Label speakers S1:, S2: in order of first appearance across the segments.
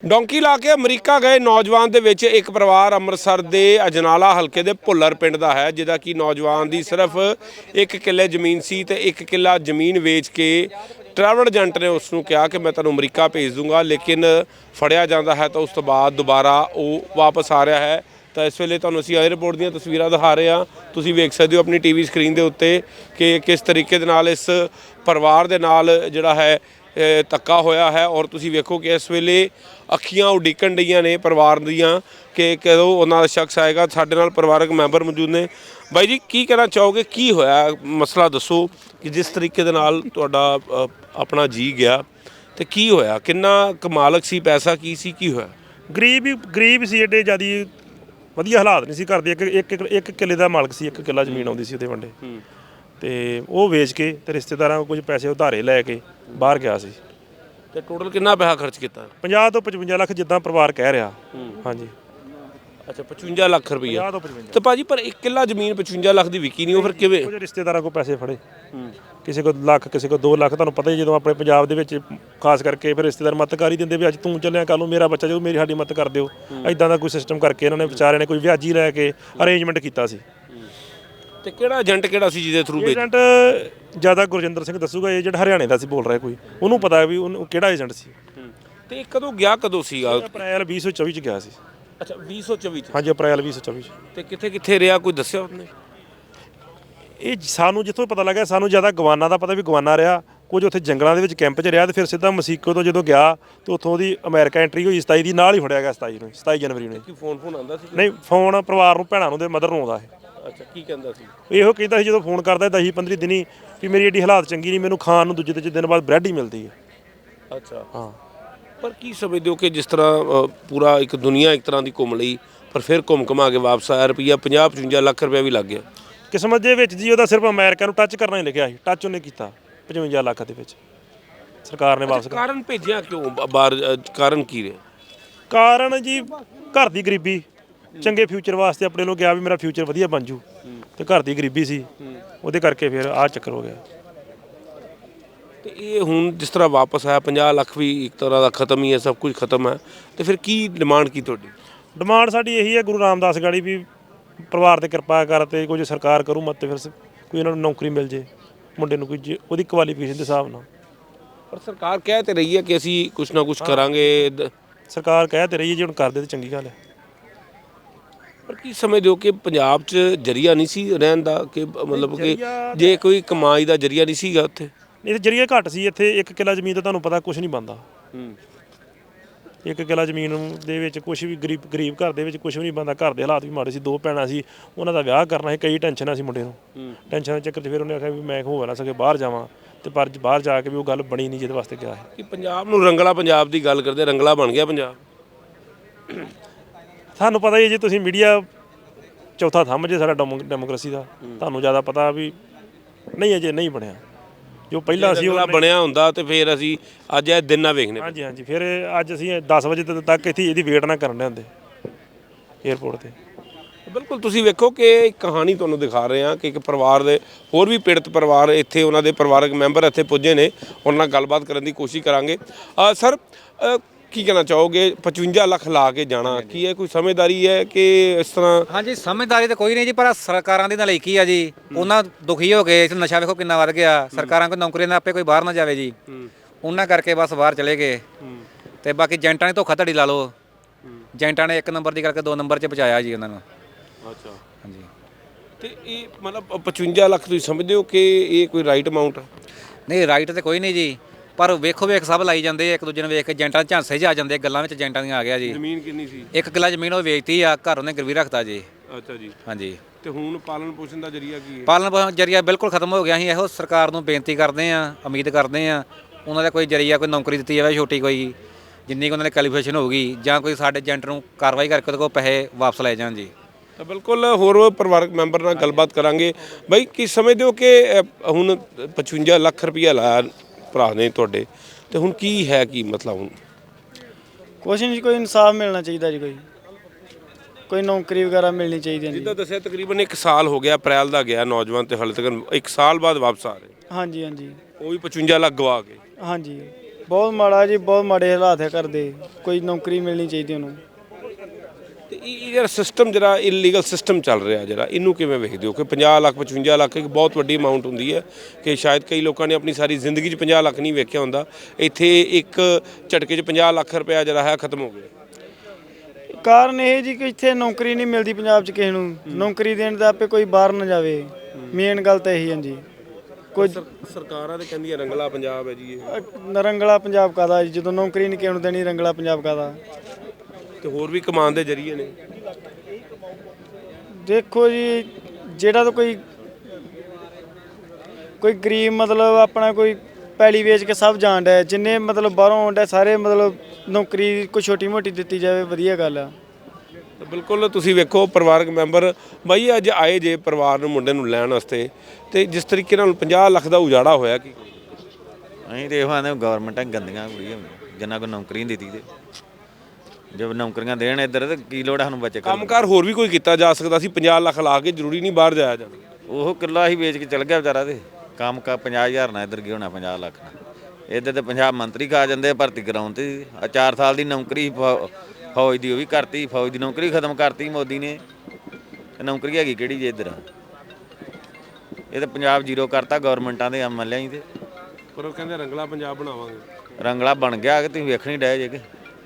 S1: Donkey ਲਾ ਕੇ America ਗਏ ਨੌਜਵਾਨ ਦੇ ਵਿੱਚ ਇੱਕ ਪਰਿਵਾਰ ਅੰਮ੍ਰਿਤਸਰ ਦੇ ਅਜਨਾਲਾ ਹਲਕੇ ਦੇ ਭੁੱਲਰ ਪਿੰਡ ਦਾ ਹੈ, ਜਿਹਦਾ ਕਿ ਨੌਜਵਾਨ ਦੀ ਸਿਰਫ 1 ਕਿੱਲੇ ਜ਼ਮੀਨ ਸੀ ਤੇ 1 ਕਿੱਲਾ ਜ਼ਮੀਨ ਵੇਚ ਕੇ ਟਰੈਵਲ ਏਜੰਟ ਨੇ ਉਸ ਨੂੰ ਕਿਹਾ ਕਿ ਮੈਂ ਤੁਹਾਨੂੰ ਅਮਰੀਕਾ ਭੇਜ ਦੂੰਗਾ, ਲੇਕਿਨ ਫੜਿਆ ਜਾਂਦਾ ਹੈ ਤਾਂ ਉਸ ਤੋਂ ਬਾਅਦ ਦੁਬਾਰਾ ਉਹ ਵਾਪਸ ਆ ਰਿਹਾ ਹੈ। ਤਾਂ ਇਸ ਵੇਲੇ ਤੁਹਾਨੂੰ ਅਸੀਂ 에ਅਰਪੋਰਟ ਦੀਆਂ ਤਸਵੀਰਾਂ ਦਿਖਾ ਰਹੇ ਹਾਂ। ਤੁਸੀਂ ਵੇਖ ਸਕਦੇ ਹੋ ਆਪਣੀ ਟੀਵੀ ਸਕਰੀਨ ਦੇ ਉੱਤੇ ਕਿ ਕਿਸ ਤਰੀਕੇ ਦੇ ਨਾਲ ਇਸ ਪਰਿਵਾਰ ਦੇ ਨਾਲ ਜਿਹੜਾ ਹੈ ਧੱਕਾ ਹੋਇਆ ਹੈ। ਔਰ ਤੁਸੀਂ ਵੇਖੋ ਕਿ ਇਸ ਵੇਲੇ ਅੱਖੀਆਂ ਉਡੀਕਣ ਡਈਆਂ ਨੇ ਪਰਿਵਾਰ ਦੀਆਂ ਕਿ ਕਦੋਂ ਉਹਨਾਂ ਦਾ ਸ਼ਖਸ ਆਏਗਾ। ਸਾਡੇ ਨਾਲ ਪਰਿਵਾਰਕ ਮੈਂਬਰ ਮੌਜੂਦ ਨੇ। ਬਾਈ ਜੀ, ਕੀ ਕਹਿਣਾ ਚਾਹੋਗੇ, ਕੀ ਹੋਇਆ ਮਸਲਾ ਦੱਸੋ ਕਿ ਜਿਸ ਤਰੀਕੇ ਦੇ ਨਾਲ ਤੁਹਾਡਾ ਆਪਣਾ ਜੀ ਗਿਆ ਤੇ ਕੀ ਹੋਇਆ, ਕਿੰਨਾ ਕਮਾਲਕ ਸੀ, ਪੈਸਾ ਕੀ ਸੀ, ਕੀ ਹੋਇਆ?
S2: ਗਰੀਬ ਸੀ, ਏਡੇ ਜ਼ਿਆਦਾ ਵਧੀਆ ਹਾਲਾਤ ਨਹੀਂ ਸੀ ਘਰ ਦੇ। ਇੱਕ ਕਿੱਲੇ ਦਾ ਮਾਲਕ ਸੀ, 1 ਕਿੱਲਾ ਜ਼ਮੀਨ ਆਉਂਦੀ ਸੀ ਉਹਦੇ ਵੰਡੇ ਤੇ ਉਹ ਵੇਚ ਕੇ ਤੇ ਰਿਸ਼ਤੇਦਾਰਾਂ ਕੋਲ ਕੁਝ ਪੈਸੇ ਉਧਾਰੇ ਲੈ ਕੇ ਬਾਹਰ ਗਿਆ ਸੀ।
S1: ਤੇ ਟੋਟਲ ਕਿੰਨਾ ਪੈਸਾ ਖਰਚ ਕੀਤਾ?
S2: 50 ਤੋਂ 55 ਲੱਖ ਜਿੱਦਾਂ ਪਰਿਵਾਰ ਕਹਿ ਰਿਹਾ। ਹਾਂਜੀ,
S1: ਅੱਛਾ, 55 ਲੱਖ ਰੁਪਈਆ।
S2: 50 ਤੋਂ 55
S1: ਤੇ ਭਾਜੀ ਪਰ 1 ਕਿੱਲਾ ਜ਼ਮੀਨ 55 ਲੱਖ ਦੀ ਵਿਕੀ ਨਹੀਂ, ਉਹ ਫਿਰ ਕਿਵੇਂ?
S2: ਕੁਝ ਰਿਸ਼ਤੇਦਾਰਾਂ ਕੋਲ ਪੈਸੇ ਫੜੇ, ਕਿਸੇ ਕੋਲ ਲੱਖ, ਕਿਸੇ ਕੋਲ 2 ਲੱਖ। ਤੁਹਾਨੂੰ ਪਤਾ ਹੀ ਜਦੋਂ ਆਪਣੇ ਪੰਜਾਬ ਦੇ ਵਿੱਚ ਖਾਸ ਕਰਕੇ ਫਿਰ ਰਿਸ਼ਤੇਦਾਰ ਮਦਦ ਕਰ ਹੀ ਦਿੰਦੇ ਵੀ ਅੱਜ ਤੂੰ ਚੱਲਿਆ ਕੱਲ ਨੂੰ ਮੇਰਾ ਬੱਚਾ ਜਦੋਂ ਮੇਰੀ ਸਾਡੀ ਮਦਦ ਕਰ ਦਿਓ। ਇਦਾਂ ਦਾ ਕੋਈ ਸਿਸਟਮ ਕਰਕੇ ਇਹਨਾਂ ਨੇ ਵਿਚਾਰਿਆਂ ਨੇ ਕੋਈ ਵਿਆਜੀ ਲੈ ਕੇ ਅਰੇਂਜਮੈਂਟ ਕੀਤਾ ਸੀ।
S1: ਤੇ ਕਿਹੜਾ ਏਜੰਟ ਕਿਹੜਾ ਸੀ ਜਿਹਦੇ ਥਰੂ
S2: ਏਜੰਟ ਜ਼ਿਆਦਾ ਗੁਰਜਿੰਦਰ ਸਿੰਘ ਦੱਸੂਗਾ। ਏਜੰਟ ਹਰਿਆਣੇ ਦਾ ਸੀ ਬੋਲ ਰਿਹਾ ਕੋਈ, ਉਹਨੂੰ ਪਤਾ ਵੀ ਉਹਨੂੰ ਕਿਹੜਾ ਏਜੰਟ ਸੀ।
S1: ਤੇ ਕਦੋਂ ਗਿਆ, ਕਦੋਂ ਸੀਗਾ?
S2: ਅਪ੍ਰੈਲ 2024 ਚ ਗਿਆ ਸੀ।
S1: ਅੱਛਾ, 2024 ਚ?
S2: ਹਾਂਜੀ, ਅਪ੍ਰੈਲ 2024 ਚ।
S1: ਤੇ ਕਿੱਥੇ ਕਿੱਥੇ ਰਿਹਾ, ਕੋਈ ਦੱਸਿਆ ਉਹਨੇ?
S2: ਇਹ ਸਾਨੂੰ ਜਿੱਥੋਂ ਪਤਾ ਲੱਗਾ, ਸਾਨੂੰ ਜ਼ਿਆਦਾ ਗਵਾਨਾ ਦਾ ਪਤਾ ਵੀ ਗਵਾਨਾ ਰਿਹਾ, ਕੁਝ ਉੱਥੇ ਜੰਗਲਾਂ ਦੇ ਵਿੱਚ ਕੈਂਪ 'ਚ ਰਿਹਾ ਤੇ ਫਿਰ ਸਿੱਧਾ ਮਸੀਕੋ ਤੋਂ ਜਦੋਂ ਗਿਆ ਤੇ ਉੱਥੋਂ ਉਹਦੀ ਅਮਰੀਕਾ ਐਂਟਰੀ ਹੋਈ 27 ਦੀ, ਨਾਲ ਹੀ ਫੜਿਆ ਗਿਆ 27 ਜਨਵਰੀ ਨੂੰ।
S1: ਕੀ ਫੋਨ ਆਉਂਦਾ ਸੀ?
S2: ਨਹੀਂ, ਫੋਨ ਪਰਿਵਾਰ ਨੂੰ, ਭੈਣਾਂ ਨੂੰ ਤੇ ਮਦਰ ਨੂੰ ਆਉਂਦਾ ਹੈ।
S1: ਅੱਛਾ, ਕੀ ਕਹਿੰਦਾ ਸੀ?
S2: ਇਹੋ ਕਹਿੰਦਾ ਸੀ ਜਦੋਂ ਫੋਨ ਕਰਦਾ 10-15 ਦਿਨੀ ਵੀ ਮੇਰੀ ਏਡੀ ਹਾਲਾਤ ਚੰਗੀ ਨਹੀਂ, ਮੈਨੂੰ ਖਾਣ ਨੂੰ ਦੂਜੇ ਤੀਜੇ ਦਿਨ ਬਾਅਦ ਬ੍ਰੈਡ ਹੀ ਮਿਲਦੀ ਹੈ।
S1: ਅੱਛਾ,
S2: ਹਾਂ।
S1: ਪਰ ਕੀ ਸਮਝਦੇ ਹੋ ਕਿ ਜਿਸ ਤਰ੍ਹਾਂ ਪੂਰਾ ਇੱਕ ਦੁਨੀਆ ਇੱਕ ਤਰ੍ਹਾਂ ਦੀ ਘੁੰਮ ਲਈ, ਪਰ ਫਿਰ ਘੁੰਮ ਘੁਮਾ ਕੇ ਵਾਪਸ ਆਇਆ, ਰੁਪਈਆ 50-55 ਲੱਖ ਰੁਪਇਆ ਵੀ ਲੱਗ ਗਿਆ?
S2: ਕਿਸਮਤ ਦੇ ਵਿੱਚ ਜੀ ਉਹਦਾ ਸਿਰਫ ਅਮਰੀਕਾ ਨੂੰ ਟੱਚ ਕਰਨਾ ਹੀ ਲਿਖਿਆ ਸੀ, ਟੱਚ ਉਹਨੇ ਕੀਤਾ 55 ਲੱਖ ਦੇ ਵਿੱਚ। ਸਰਕਾਰ ਨੇ ਵਾਪਸ
S1: ਕਾਰਨ ਭੇਜਿਆ ਕਿਉਂ ਬਾਹਰ? ਕਾਰਨ ਕੀ ਰਿਹਾ?
S2: ਕਾਰਨ ਜੀ ਘਰ ਦੀ ਗਰੀਬੀ, ਚੰਗੇ ਫਿਊਚਰ ਵਾਸਤੇ ਆਪਣੇ ਲੋਕ ਗਿਆ ਵੀ ਮੇਰਾ ਫਿਊਚਰ ਵਧੀਆ ਬਣ ਜੂ, ਤੇ ਘਰ ਦੀ ਗਰੀਬੀ ਸੀ, ਉਹਦੇ ਕਰਕੇ ਫਿਰ ਆਹ ਚੱਕਰ ਹੋ ਗਿਆ।
S1: ਤੇ ਇਹ ਹੁਣ ਜਿਸ ਤਰ੍ਹਾਂ ਵਾਪਸ ਆਇਆ, 50 ਲੱਖ ਵੀ ਇੱਕ ਤਰ੍ਹਾਂ ਦਾ ਖਤਮ ਹੀ ਹੈ, ਸਭ ਕੁਝ ਖਤਮ ਹੈ, ਤੇ ਫਿਰ ਕੀ ਡਿਮਾਂਡ ਕੀ ਤੁਹਾਡੀ?
S2: ਡਿਮਾਂਡ ਸਾਡੀ ਇਹੀ ਹੈ ਗੁਰੂ ਰਾਮਦਾਸ ਗਾੜੀ ਵੀ ਪਰਿਵਾਰ ਤੇ ਕਿਰਪਾ ਕਰ ਤੇ ਕੁਝ ਸਰਕਾਰ ਕਰੂ ਮਤ, ਤੇ ਫਿਰ ਕੋਈ ਇਹਨਾਂ ਨੂੰ ਨੌਕਰੀ ਮਿਲ ਜੇ ਮੁੰਡੇ ਨੂੰ, ਕੋਈ ਉਹਦੀ ਕੁਆਲੀਫਿਕੇਸ਼ਨ ਦੇ ਹਿਸਾਬ ਨਾਲ।
S1: ਪਰ ਸਰਕਾਰ ਕਹਿ ਤੇ ਰਹੀ ਹੈ ਕਿ ਅਸੀਂ ਕੁਝ ਨਾ ਕੁਝ ਕਰਾਂਗੇ।
S2: ਸਰਕਾਰ ਕਹਿ ਤੇ ਰਹੀ ਹੈ, ਜੇ ਹੁਣ ਕਰਦੇ ਤੇ ਚੰਗੀ ਗੱਲ ਹੈ।
S1: ਪਰ ਕੀ ਸਮਝਦੇ ਹੋ ਕਿ ਪੰਜਾਬ 'ਚ ਜਰੀਆ ਨਹੀਂ ਸੀ ਰਹਿਣ ਦਾ, ਕਿ ਮਤਲਬ ਕਿ ਜੇ ਕੋਈ ਕਮਾਈ ਦਾ ਜਰੀਆ ਨਹੀਂ ਸੀਗਾ ਉੱਥੇ?
S2: ਇਹ ਤੇ ਜਰੀਆ ਘੱਟ ਸੀ। ਇੱਥੇ 1 ਕਿੱਲਾ ਜ਼ਮੀਨ ਤਾਂ ਤੁਹਾਨੂੰ ਪਤਾ ਕੁਝ ਨਹੀਂ ਬਣਦਾ। 1 ਕਿੱਲਾ ਜ਼ਮੀਨ ਦੇ ਵਿੱਚ ਕੁਝ ਵੀ ਗਰੀਬ ਘਰ ਦੇ ਵਿੱਚ ਕੁਝ ਵੀ ਨਹੀਂ ਬਣਦਾ। ਘਰ ਦੇ ਹਾਲਾਤ ਵੀ ਮਾੜੇ ਸੀ, 2 ਭੈਣਾਂ ਸੀ, ਉਹਨਾਂ ਦਾ ਵਿਆਹ ਕਰਨਾ ਸੀ, ਕਈ ਟੈਨਸ਼ਨਾਂ ਸੀ ਮੁੰਡੇ ਨੂੰ। ਟੈਨਸ਼ਨ ਦੇ ਚੱਕਰ 'ਚ ਫਿਰ ਉਹਨੇ ਆਖਿਆ ਵੀ ਮੈਂ ਹੋ ਨਾ ਸਕੇ ਬਾਹਰ ਜਾਵਾਂ, ਤੇ ਪਰ ਬਾਹਰ ਜਾ ਕੇ ਵੀ ਉਹ ਗੱਲ ਬਣੀ ਨਹੀਂ ਜਿਹਦੇ ਵਾਸਤੇ ਗਿਆ ਹੈ।
S1: ਕਿ ਪੰਜਾਬ ਨੂੰ ਰੰਗਲਾ ਪੰਜਾਬ ਦੀ ਗੱਲ ਕਰਦੇ, ਰੰਗਲਾ ਬਣ ਗਿਆ ਪੰਜਾਬ।
S2: ਤੁਹਾਨੂੰ ਪਤਾ ਹੀ ਜੇ ਤੁਸੀਂ ਮੀਡੀਆ ਚੌਥਾ ਥੰਮ ਜੇ ਸਾਡਾ ਡੈਮੋਕ੍ਰੇਸੀ ਦਾ, ਤੁਹਾਨੂੰ ਜ਼ਿਆਦਾ ਪਤਾ ਵੀ ਨਹੀਂ ਅਜੇ ਨਹੀਂ ਬਣਿਆ ਜੋ ਪਹਿਲਾਂ ਸੀ। ਉਹ
S1: ਬਣਿਆ ਹੁੰਦਾ ਤੇ ਫਿਰ ਅਸੀਂ ਅੱਜ ਇਹ ਦਿਨ ਨਾ ਵੇਖਣੇ।
S2: ਹਾਂਜੀ ਹਾਂਜੀ, ਫਿਰ ਅੱਜ ਅਸੀਂ 10 ਵਜੇ ਤੱਕ ਇੱਥੇ ਇਹਦੀ ਵੇਟ ਨਾ ਕਰਨ ਦੇ ਹੁੰਦੇ ਏਅਰਪੋਰਟ ਤੇ।
S1: ਬਿਲਕੁਲ, ਤੁਸੀਂ ਵੇਖੋ ਕਿ ਇੱਕ ਕਹਾਣੀ ਤੁਹਾਨੂੰ ਦਿਖਾ ਰਹੇ ਹਾਂ ਕਿ ਇੱਕ ਪਰਿਵਾਰ ਦੇ ਹੋਰ ਵੀ ਪੀੜਤ ਪਰਿਵਾਰ ਇੱਥੇ, ਉਹਨਾਂ ਦੇ ਪਰਿਵਾਰਕ ਮੈਂਬਰ ਇੱਥੇ ਪੁੱਜੇ ਨੇ, ਉਹਨਾਂ ਨਾਲ ਗੱਲਬਾਤ ਕਰਨ ਦੀ ਕੋਸ਼ਿਸ਼ ਕਰਾਂਗੇ। ਸਰ, ਕੀ ਕਹਿਣਾ ਚਾਹੋਗੇ? 55 ਲੱਖ ਲਾ ਕੇ ਜਾਣਾ, ਕੀ ਹੈ ਕੋਈ ਸਮਝਦਾਰੀ ਹੈ ਕਿ ਇਸ ਤਰ੍ਹਾਂ?
S3: ਹਾਂਜੀ, ਸਮਝਦਾਰੀ ਤਾਂ ਕੋਈ ਨਹੀਂ ਜੀ, ਪਰ ਸਰਕਾਰਾਂ ਦੀ ਨਲਾਇਕੀ ਆ ਜੀ। ਉਹਨਾਂ ਦੁਖੀ ਹੋ ਗਏ, ਨਸ਼ਾ ਵੇਖੋ ਕਿੰਨਾ ਵੱਧ ਗਿਆ। ਸਰਕਾਰਾਂ ਕੋਈ ਨੌਕਰੀਆਂ ਨਾ ਆਪੇ ਕੋਈ ਬਾਹਰ ਨਾ ਜਾਵੇ ਜੀ, ਉਹਨਾਂ ਕਰਕੇ ਬਸ ਬਾਹਰ ਚਲੇ ਗਏ। ਤੇ ਬਾਕੀ ਏਜੰਟਾਂ ਨੇ ਧੋਖਾਧੜੀ ਲਾ ਲਓ, ਏਜੰਟਾਂ ਨੇ 1 ਨੰਬਰ ਦੀ ਕਰਕੇ 2 ਨੰਬਰ 'ਚ ਪਹੁੰਚਾਇਆ ਜੀ ਉਹਨਾਂ ਨੂੰ।
S1: ਅੱਛਾ,
S3: ਹਾਂਜੀ।
S1: ਤੇ ਇਹ ਮਤਲਬ 55 ਲੱਖ ਤੁਸੀਂ ਸਮਝਦੇ ਹੋ ਕਿ ਇਹ ਕੋਈ ਰਾਈਟ ਅਮਾਊਂਟ?
S3: ਨਹੀਂ, ਰਾਈਟ ਤੇ ਕੋਈ ਨਹੀਂ ਜੀ, ਪਰ ਵੇਖੋ ਵੇਖ ਸਭ ਲਾਈ ਜਾਂਦੇ, ਇੱਕ ਦੂਜੇ ਨੂੰ ਵੇਖ ਕੇ ਏਜੰਟਾਂ ਦੇ ਝਾਂਸੇ 'ਚ ਆ ਜਾਂਦੇ, ਗੱਲਾਂ ਵਿੱਚ ਏਜੰਟਾਂ ਦੀਆਂ ਆ ਗਿਆ ਜੀ।
S1: ਜ਼ਮੀਨ ਕਿੰਨੀ ਸੀ?
S3: 1 ਕਿੱਲਾ ਜ਼ਮੀਨ ਉਹ ਵੇਚਤੀ ਆ, ਘਰ ਉਹਨੇ ਗਿਰਵੀ ਰੱਖਤਾ ਜੀ।
S1: ਅੱਛਾ ਜੀ।
S3: ਹਾਂਜੀ।
S1: ਤੇ ਹੁਣ ਪਾਲਣ ਪੋਸ਼ਣ ਦਾ ਜਰੀਆ ਕੀ ਹੈ?
S3: ਪਾਲਣ ਪੋਸ਼ਣ ਜਰੀਆ ਬਿਲਕੁਲ ਖਤਮ ਹੋ ਗਿਆ। ਅਸੀਂ ਇਹੋ ਸਰਕਾਰ ਨੂੰ ਬੇਨਤੀ ਕਰਦੇ ਹਾਂ, ਉਮੀਦ ਕਰਦੇ ਹਾਂ ਉਹਨਾਂ ਦਾ ਕੋਈ ਜਰੀਆ, ਕੋਈ ਨੌਕਰੀ ਦਿੱਤੀ ਜਾਵੇ ਛੋਟੀ ਕੋਈ, ਜਿੰਨੀ ਕੁ ਉਹਨਾਂ ਦੀ ਕੁਆਲੀਫਿਕੇਸ਼ਨ ਹੋਊਗੀ, ਜਾਂ ਕੋਈ ਸਾਡੇ ਏਜੰਟ ਨੂੰ ਕਾਰਵਾਈ ਕਰਕੇ ਉਹਦੇ ਕੋਲ ਪੈਸੇ ਵਾਪਸ ਲੈ ਜਾਣ ਜੀ।
S1: ਤਾਂ ਬਿਲਕੁਲ ਹੋਰ ਪਰਿਵਾਰਕ ਮੈਂਬਰ ਨਾਲ ਗੱਲਬਾਤ ਕਰਾਂਗੇ। ਬਾਈ, ਕੀ ਸਮਝਦੇ ਹੋ ਕਿ ਹੁਣ 55 ਲੱਖ ਰੁਪਈਆ ਲਾਇਆ ਭਰਾ ਨੇ ਤੁਹਾਡੇ, ਤੇ ਹੁਣ ਕੀ ਹੈ, ਕੀ ਮਤਲਬ? ਹੁਣ
S4: ਕੁਛ ਨਹੀਂ, ਕੋਈ ਇਨਸਾਫ ਮਿਲਣਾ ਚਾਹੀਦਾ ਜੀ, ਕੋਈ ਨੌਕਰੀ ਵਗੈਰਾ ਮਿਲਣੀ ਚਾਹੀਦੀ ਹੈ।
S1: ਜਿੱਦਾਂ ਦੱਸਿਆ ਤਕਰੀਬਨ 1 ਸਾਲ ਹੋ ਗਿਆ, ਅਪ੍ਰੈਲ ਦਾ ਗਿਆ ਨੌਜਵਾਨ, ਤੇ ਹਾਲੇ ਤੱਕ 1 ਸਾਲ ਬਾਅਦ ਵਾਪਸ ਆ ਰਹੇ।
S4: ਹਾਂਜੀ ਹਾਂਜੀ,
S1: ਉਹ ਵੀ 55 ਲੱਖ ਗਵਾ ਕੇ।
S4: ਹਾਂਜੀ। ਬਹੁਤ ਮਾੜਾ ਜੀ, ਬਹੁਤ ਮਾੜੇ ਹਾਲਾਤ ਹੈ ਕਰਦੇ। ਕੋਈ ਨੌਕਰੀ ਮਿਲਣੀ ਚਾਹੀਦੀ ਉਹਨੂੰ।
S1: ਤੇ ਇਹ ਜਿਹੜਾ ਸਿਸਟਮ, ਜਿਹੜਾ ਇਲੀਗਲ ਸਿਸਟਮ ਚੱਲ ਰਿਹਾ, ਜਿਹੜਾ ਇਹਨੂੰ ਕਿਵੇਂ ਵੇਖਦੇ ਹੋ ਕਿ 50 ਲੱਖ 55 ਲੱਖ ਇੱਕ ਬਹੁਤ ਵੱਡੀ ਅਮਾਉਂਟ ਹੁੰਦੀ ਹੈ ਕਿ ਸ਼ਾਇਦ ਕਈ ਲੋਕਾਂ ਨੇ ਆਪਣੀ ਸਾਰੀ ਜ਼ਿੰਦਗੀ 'ਚ 50 ਲੱਖ ਨਹੀਂ ਵੇਖਿਆ ਹੁੰਦਾ, ਇੱਥੇ ਇੱਕ ਝਟਕੇ 'ਚ 50 ਲੱਖ ਰੁਪਇਆ ਜਿਹੜਾ ਹੈ ਖਤਮ ਹੋ ਗਿਆ।
S4: ਕਾਰਨ ਇਹ ਜੀ ਕਿ ਇੱਥੇ ਨੌਕਰੀ ਨਹੀਂ ਮਿਲਦੀ ਪੰਜਾਬ 'ਚ ਕਿਸੇ ਨੂੰ। ਨੌਕਰੀ ਦੇਣ ਦਾ ਆਪੇ ਕੋਈ ਬਾਹਰ ਨਾ ਜਾਵੇ। ਮੇਨ ਗੱਲ ਤਾਂ ਇਹੀ ਹੈ ਜੀ। ਕੋਈ
S1: ਸਰਕਾਰਾਂ ਤੇ ਕਹਿੰਦੀਆਂ ਰੰਗਲਾ ਪੰਜਾਬ ਹੈ ਜੀ ਇਹ।
S4: ਰੰਗਲਾ ਪੰਜਾਬ ਕਾਹਦਾ ਜੀ, ਜਦੋਂ ਨੌਕਰੀ ਨਹੀਂ ਕਿਸੇ ਨੂੰ ਦੇਣੀ, ਰੰਗਲਾ ਪੰਜਾਬ ਕਾਹਦਾ।
S1: ਤੇ ਹੋਰ ਵੀ ਕਮਾਉਣ ਦੇ ਜ਼ਰੀਏ ਨੇ।
S4: ਦੇਖੋ ਜੀ, ਜਿਹੜਾ ਤਾਂ ਕੋਈ ਗਰੀਬ ਮਤਲਬ ਆਪਣਾ ਕੋਈ ਪੈਲੀ ਵੇਚ ਕੇ ਸਭ ਜਾਣ ਡਿਆ, ਜਿੰਨੇ ਮਤਲਬ ਬਾਹਰੋਂ ਆਉਣ ਡਿਆ ਸਾਰੇ ਮਤਲਬ ਨੌਕਰੀ ਕੋਈ ਛੋਟੀ ਮੋਟੀ ਦਿੱਤੀ ਜਾਵੇ, ਵਧੀਆ ਗੱਲ ਆ।
S1: ਬਿਲਕੁਲ ਤੁਸੀਂ ਵੇਖੋ ਪਰਿਵਾਰਕ ਮੈਂਬਰ ਬਾਈ ਅੱਜ ਆਏ ਜੇ ਪਰਿਵਾਰ ਨੂੰ, ਮੁੰਡੇ ਨੂੰ ਲੈਣ ਵਾਸਤੇ, ਤੇ ਜਿਸ ਤਰੀਕੇ ਨਾਲ 50 ਲੱਖ ਦਾ ਉਜਾੜਾ ਹੋਇਆ ਕੀ
S5: ਅਸੀਂ ਤੇ ਇਹੋ ਆਂਦੇ ਗਵਰਨਮੈਂਟਾਂ ਗੰਦੀਆਂ ਕੁੜੀਆਂ ਜਿੰਨਾ ਕੋਈ ਨੌਕਰੀ ਨਹੀਂ ਦਿੱਤੀ, ਤੇ ਜੇ ਨੌਕਰੀਆਂ ਦੇਣ ਇੱਧਰ ਤੇ ਕੀ ਲੋੜ ਸਾਨੂੰ ਬੱਚੇ
S1: ਕੰਮਕਾਰ ਹੋਰ ਵੀ ਕੋਈ ਕੀਤਾ ਜਾ ਸਕਦਾ ਸੀ। 50 ਲੱਖ ਲਾ ਕੇ ਜ਼ਰੂਰੀ ਨਹੀਂ ਬਾਹਰ ਜਾਇਆ ਜਾਣਾ।
S5: ਉਹ ਕਿੱਲਾ ਹੀ ਵੇਚ ਕੇ ਚਲ ਗਿਆ ਵਿਚਾਰਾ, ਤੇ ਕੰਮ ਕਾ 50,000 ਨਾਲ ਇੱਧਰ ਕੀ ਹੋਣਾ 50 ਲੱਖ ਨਾਲ। ਇੱਧਰ ਤੇ 50 ਮੰਤਰੀ ਖਾ ਜਾਂਦੇ ਭਰਤੀ ਕਰਾਉਣ ਤੇ। 4 ਸਾਲ ਦੀ ਨੌਕਰੀ ਫੌਜ ਦੀ ਉਹ ਵੀ ਕਰਤੀ, ਫੌਜ ਦੀ ਨੌਕਰੀ ਖਤਮ ਕਰਤੀ ਮੋਦੀ ਨੇ। ਨੌਕਰੀ ਹੈਗੀ ਕਿਹੜੀ ਜੇ ਇੱਧਰ? ਇਹ ਤਾਂ ਪੰਜਾਬ ਜ਼ੀਰੋ ਕਰਤਾ ਗਵਰਨਮੈਂਟਾਂ ਦੇ ਐਮਐਲਏ ਹੀ। ਤੇ
S1: ਪਰ ਉਹ ਕਹਿੰਦੇ ਰੰਗਲਾ ਪੰਜਾਬ ਬਣਾਵਾਂਗੇ।
S5: ਰੰਗਲਾ ਬਣ ਗਿਆ ਕਿ ਤੁਸੀਂ ਵੇਖਣੀ ਡਏ ਜੇ ਕਿ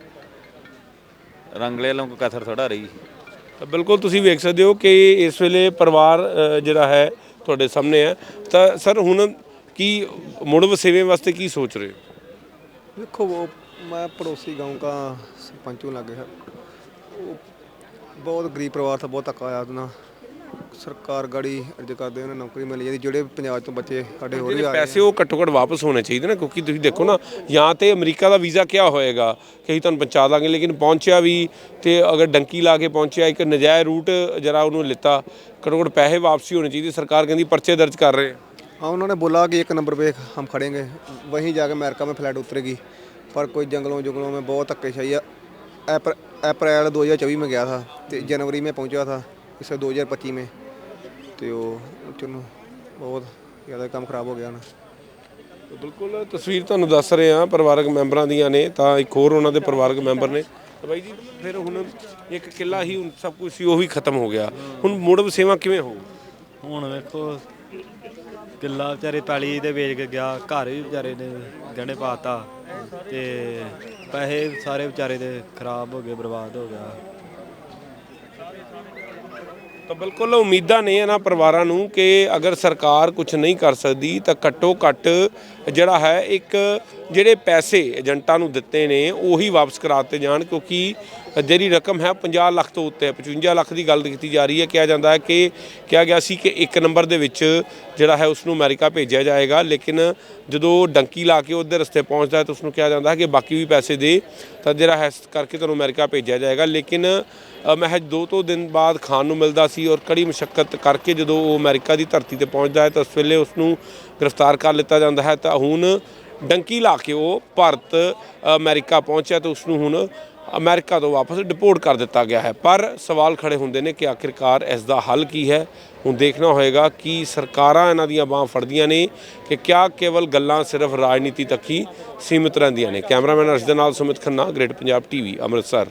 S5: ਰੰਗਲੇ ਵੱਲੋਂ ਕੋਈ ਕਸਰ ਥੋੜਾ ਰਹੀ।
S1: ਤਾਂ ਬਿਲਕੁਲ ਤੁਸੀਂ ਵੇਖ ਸਕਦੇ ਹੋ ਕਿ ਇਸ ਵੇਲੇ ਪਰਿਵਾਰ ਜਿਹੜਾ ਹੈ ਤੁਹਾਡੇ ਸਾਹਮਣੇ ਹੈ। ਤਾਂ ਸਰ ਹੁਣ ਕੀ ਮੁੜ ਵਸੇਵੇਂ ਵਾਸਤੇ ਕੀ ਸੋਚ ਰਹੇ ਹੋ?
S6: देखो वो मैं पड़ोसी गांव का सरपंच हूँ लगे है। वो बहुत गरीब परिवार था, बहुत धक्का आया ना। सरकार गाड़ी अर्ज करते उन्हें नौकरी मिल जाती। ਜਿਹੜੇ ਪੰਜਾਬ ਤੋਂ ਬੱਚੇ ਸਾਡੇ ਹੋਰ ਵੀ ਆ ਰਹੇ
S1: ਪੈਸੇ ਉਹ ਘੱਟੋ ਘੱਟ ਵਾਪਸ ਹੋਣੇ ਚਾਹੀਦੇ ਨਾ, ਕਿਉਂਕਿ ਤੁਸੀਂ ਦੇਖੋ ਨਾ, ਜਾਂ ਤੇ ਅਮਰੀਕਾ ਦਾ ਵੀਜ਼ਾ ਕਿਆ ਹੋਏਗਾ ਕਿ ਅਸੀਂ ਤੁਹਾਨੂੰ ਪਹੁੰਚਾ ਦਾਂਗੇ, ਲੇਕਿਨ ਪਹੁੰਚਿਆ ਵੀ ਤੇ ਅਗਰ ਡੰਕੀ ਲਾ ਕੇ ਪਹੁੰਚਿਆ, ਇੱਕ ਨਜਾਇਜ਼ ਰੂਟ ਜਰਾ ਉਹਨੂੰ ਲਿੱਤਾ, ਘੱਟੋ ਘੱਟ ਪੈਸੇ ਵਾਪਸੀ ਹੋਣੇ ਚਾਹੀਦੇ। ਸਰਕਾਰ ਕਹਿੰਦੀ ਪਰਚੇ ਦਰਜ ਕਰ ਰਹੇ।
S6: हाँ, उन्होंने बोला कि 1 नंबर पे हम खड़ेंगे, वहीं जाके अमेरिका में फ्लाइट उतरेगी। पर कोई जंगलों में बहुत धक्केशाही है। अप्रैल 2024 में गया था, तो जनवरी में पहुंचा था इस 2025 में। तो चलो बहुत ज़्यादा काम खराब हो गया ना।
S1: ਬਿਲਕੁਲ ਤਸਵੀਰ ਤੁਹਾਨੂੰ ਦੱਸ ਰਹੇ ਹਾਂ ਪਰਿਵਾਰਕ ਮੈਂਬਰਾਂ ਦੀਆਂ ਨੇ। ਤਾਂ ਇੱਕ ਹੋਰ ਉਹਨਾਂ ਦੇ ਪਰਿਵਾਰਕ ਮੈਂਬਰ ਨੇ। ਬਾਈ ਜੀ ਫਿਰ ਹੁਣ ਇੱਕ ਕਿੱਲਾ ਹੀ ਹੁਣ ਸਭ ਕੁਝ ਸੀ ਉਹ ਵੀ ਖਤਮ ਹੋ ਗਿਆ, ਹੁਣ ਮੁੜ ਵਸੇਵਾ ਕਿਵੇਂ ਹੋਊ?
S7: ਹੁਣ ਵੇਖੋ ਕਿੱਲਾ ਵਿਚਾਰੇ ਪੈਲੀ ਦੇ ਵੇਚ ਕੇ ਗਿਆ, ਘਰ ਵੀ ਵਿਚਾਰੇ ਨੇ ਗਹਿਣੇ ਪਾਤਾ, ਤੇ ਪੈਸੇ ਸਾਰੇ ਵਿਚਾਰੇ ਦੇ ਖਰਾਬ ਹੋ ਗਏ, ਬਰਬਾਦ ਹੋ ਗਿਆ।
S1: ਤਾਂ ਬਿਲਕੁਲ ਉਮੀਦਾਂ ਨੇ ਇਹਨਾਂ ਪਰਿਵਾਰਾਂ ਨੂੰ ਕਿ ਅਗਰ ਸਰਕਾਰ ਕੁਝ ਨਹੀਂ ਕਰ ਸਕਦੀ ਤਾਂ ਘੱਟੋ ਘੱਟ ਜਿਹੜਾ ਹੈ ਇੱਕ ਜਿਹੜੇ ਪੈਸੇ ਏਜੰਟਾਂ ਨੂੰ ਦਿੱਤੇ ਨੇ ਉਹੀ ਵਾਪਸ ਕਰਾਤੇ ਜਾਣ, ਕਿਉਂਕਿ ਜਿਹੜੀ ਰਕਮ ਹੈ 50 ਲੱਖ ਤੋਂ ਉੱਤੇ ਹੈ। 55 ਲੱਖ ਦੀ ਗੱਲ ਕੀਤੀ ਜਾ ਰਹੀ ਹੈ। ਕਿਹਾ ਜਾਂਦਾ ਹੈ ਕਿ ਕਿਹਾ ਗਿਆ ਸੀ ਕਿ 1 ਨੰਬਰ ਦੇ ਵਿੱਚ ਜਿਹੜਾ ਹੈ ਉਸ ਨੂੰ ਅਮਰੀਕਾ ਭੇਜਿਆ ਜਾਏਗਾ, ਲੇਕਿਨ ਜਦੋਂ ਡੰਕੀ ਲਾ ਕੇ ਉਹਦੇ ਰਸਤੇ ਪਹੁੰਚਦਾ ਹੈ ਤਾਂ ਉਸ ਨੂੰ ਕਿਹਾ ਜਾਂਦਾ ਹੈ ਕਿ ਬਾਕੀ ਵੀ ਪੈਸੇ ਦੇ ਤਾਂ ਜਿਹੜਾ ਹੈ ਕਰਕੇ ਤੁਹਾਨੂੰ ਅਮਰੀਕਾ ਭੇਜਿਆ ਜਾਏਗਾ। ਲੇਕਿਨ ਮਹਿਜ 2 ਦਿਨ ਬਾਅਦ ਖਾਣ ਨੂੰ ਮਿਲਦਾ ਸੀ ਔਰ ਕੜੀ ਮੁਸ਼ੱਕਤ ਕਰਕੇ ਜਦੋਂ ਉਹ ਅਮਰੀਕਾ ਦੀ ਧਰਤੀ ਤੇ ਪਹੁੰਚਦਾ ਹੈ ਤਾਂ ਉਸ ਵੇਲੇ ਉਸ ਨੂੰ ਗ੍ਰਿਫਤਾਰ ਕਰ ਲਿੱਤਾ ਜਾਂਦਾ ਹੈ। ਤਾਂ ਹੁਣ ਡੰਕੀ ਲਾ ਕੇ ਉਹ ਭਾਰਤ ਅਮਰੀਕਾ ਪਹੁੰਚਿਆ ਤਾਂ ਉਸ ਨੂੰ ਹੁਣ ਅਮਰੀਕਾ ਤੋਂ ਵਾਪਸ ਡਿਪੋਰਟ ਕਰ ਦਿੱਤਾ ਗਿਆ ਹੈ। ਪਰ ਸਵਾਲ ਖੜੇ ਹੁੰਦੇ ਨੇ ਕਿ ਆਖਿਰਕਾਰ ਇਸ ਦਾ ਹੱਲ ਕੀ ਹੈ? ਹੁਣ ਦੇਖਣਾ ਹੋਏਗਾ ਕਿ ਸਰਕਾਰਾਂ ਇਹਨਾਂ ਦੀਆਂ ਬਾਹਾਂ ਫੜਦੀਆਂ ਨੇ ਕਿ ਕਿਆ ਕੇਵਲ ਗੱਲਾਂ ਸਿਰਫ ਰਾਜਨੀਤੀ ਤੱਕ ਹੀ ਸੀਮਿਤ ਰਹਿੰਦੀਆਂ ਨੇ। ਕੈਮਰਾਮੈਨ ਅਰਸ਼ ਦੇ ਨਾਲ ਸੁਮਿਤ ਖੰਨਾ, ਗ੍ਰੇਟ ਪੰਜਾਬ ਟੀਵੀ, ਅੰਮ੍ਰਿਤਸਰ।